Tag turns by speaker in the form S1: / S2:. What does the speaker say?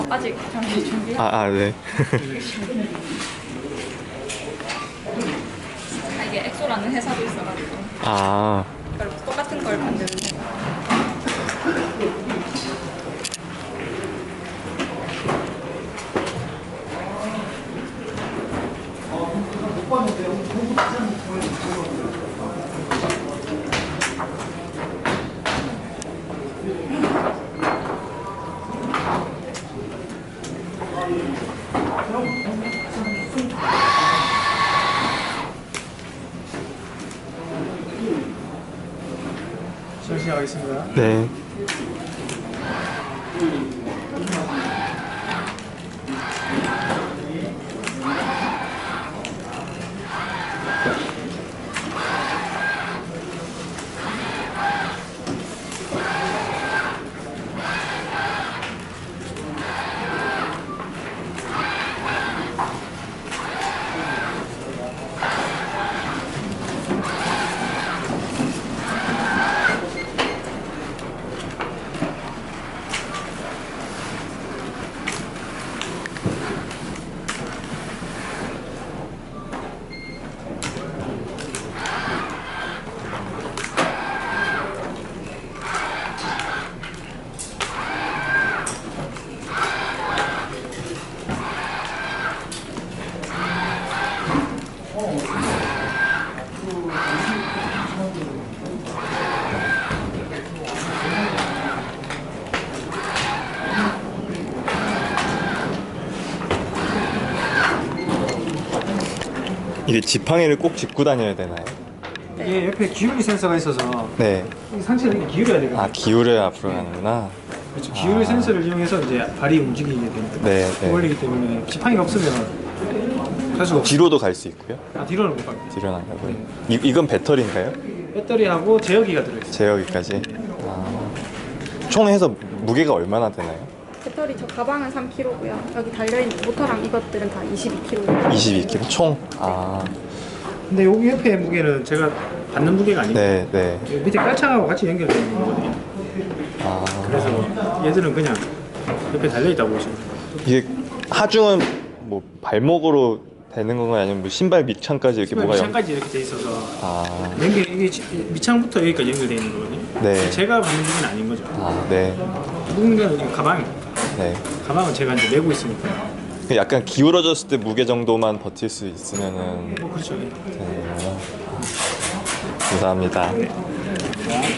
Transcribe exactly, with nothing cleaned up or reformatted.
S1: 아직 잠시 준비.
S2: 아, 아, 네.
S1: 아, 이게 엑소라는 회사도 있어가지고
S2: 아,
S1: 그걸 똑같은 걸 만드는 회사.
S3: 시작하겠습니다.
S2: 네. 이게 지팡이를 꼭 짚고 다녀야 되나요?
S3: 이게 옆에 기울기 센서가 있어서
S2: 네.
S3: 이 상체를 이렇게 기울여야 되거든요.
S2: 아, 기울여야 앞으로 가는구나.
S3: 그렇죠. 기울기
S2: 아.
S3: 센서를 이용해서 이제 발이 움직이게 됩니다.
S2: 네, 네.
S3: 원리기 때문에 지팡이가 없으면 할 수가 없어요.
S2: 뒤로도 갈 수 있고요.
S3: 아, 뒤로는 못 갑니다.
S2: 뒤로 나가고요. 이, 이건 배터리인가요?
S3: 배터리하고 제어기가 들어있어요.
S2: 제어기까지. 아. 총 해서 무게가 얼마나 되나요?
S1: 배터리 저 가방은 삼 킬로그램고요. 여기 달려있는 모터랑 이것들은 다 이십이 킬로그램.
S2: 이십이 킬로그램 총? 아.
S3: 근데 여기 옆에 무게는 제가 받는 무게가 아니고
S2: 네, 네.
S3: 여기 밑에 깔창하고 같이 연결되어 있는 거거든요.
S2: 아.
S3: 그래서 얘들은 그냥 옆에 달려있다고 보시면 돼요.
S2: 이게 하중은 뭐 발목으로 되는 건가요? 아니면 뭐 신발 밑창까지 이렇게 뭐가 연...
S3: 밑창까지 이렇게 돼 있어서
S2: 아.
S3: 연결, 이게 지- 밑창부터 여기까지 연결되어 있는 거거든요.
S2: 네.
S3: 제가 받는 무게는 아닌 거죠.
S2: 아, 네.
S3: 무게는 가방입니다.
S2: 네.
S3: 가방은 제가 이제 메고 있으니까.
S2: 약간 기울어졌을 때 무게 정도만 버틸 수 있으면은
S3: 뭐 그렇죠.
S2: 되는 거구나. 감사합니다.
S3: 자.